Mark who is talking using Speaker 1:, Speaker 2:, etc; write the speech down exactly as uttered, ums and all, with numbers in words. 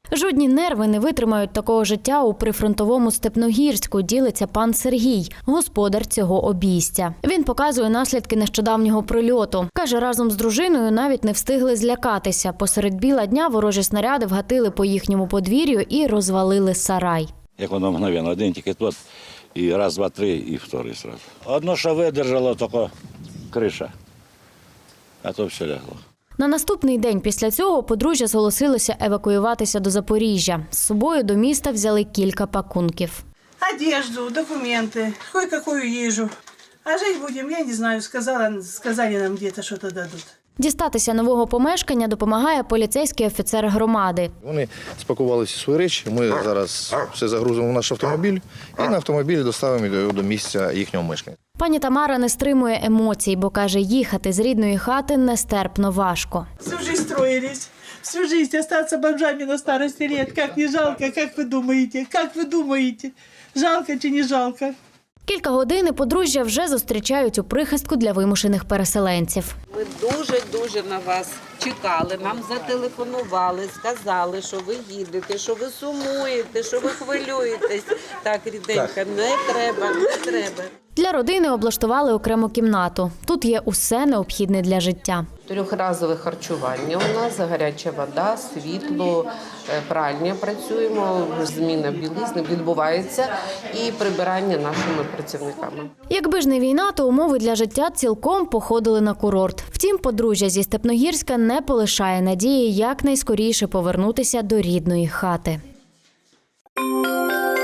Speaker 1: Жодні нерви не витримають такого життя у прифронтовому Степногірську, ділиться пан Сергій, господар цього обійстя. Він показує наслідки нещодавнього прильоту. Каже, разом з дружиною навіть не встигли злякатися. Посеред біла дня ворожі снаряди вгатили по їхньому подвір'ю і розвалили сарай.
Speaker 2: Як воно мгновенно, один тільки тут, і раз, два, три, і вторий сразу. Одно, що видержало, тільки криша, а то все лягло.
Speaker 1: На наступний день після цього подружжя зголосилося евакуюватися до Запоріжжя. З собою до міста взяли кілька пакунків.
Speaker 3: Одежду, документы, кое-какую ежу. А жить будем, я не знаю, сказала, сказали нам где-то что-то дадут.
Speaker 1: Дістатися нового помешкання допомагає поліцейський офіцер громади.
Speaker 4: Вони спакували всі свої речі, ми зараз все загрузимо в наш автомобіль і на автомобілі доставимо його до місця їхнього мешкання.
Speaker 1: Пані Тамара не стримує емоцій, бо каже, їхати з рідної хати нестерпно важко.
Speaker 3: Всю жизнь строились, всю жизнь остаться бомжами на старости лет. Как не жалко, как вы думаете, как вы думаете, жалко чи не жалко?
Speaker 1: Кілька годин і подружжя вже зустрічають у прихистку для вимушених переселенців.
Speaker 5: Ми дуже-дуже на вас чекали, нам зателефонували, сказали, що ви їдете, що ви сумуєте, що ви хвилюєтесь. Так, ріденька, не треба, не треба.
Speaker 1: Для родини облаштували окрему кімнату. Тут є усе необхідне для життя.
Speaker 5: Трьохразове харчування у нас, гаряча вода, світло, пральня працюємо, зміна білизни відбувається і прибирання нашими працівниками.
Speaker 1: Якби ж не війна, то умови для життя цілком походили на курорт. Втім, подружжя зі Степногірська не полишає надії якнайскоріше повернутися до рідної хати.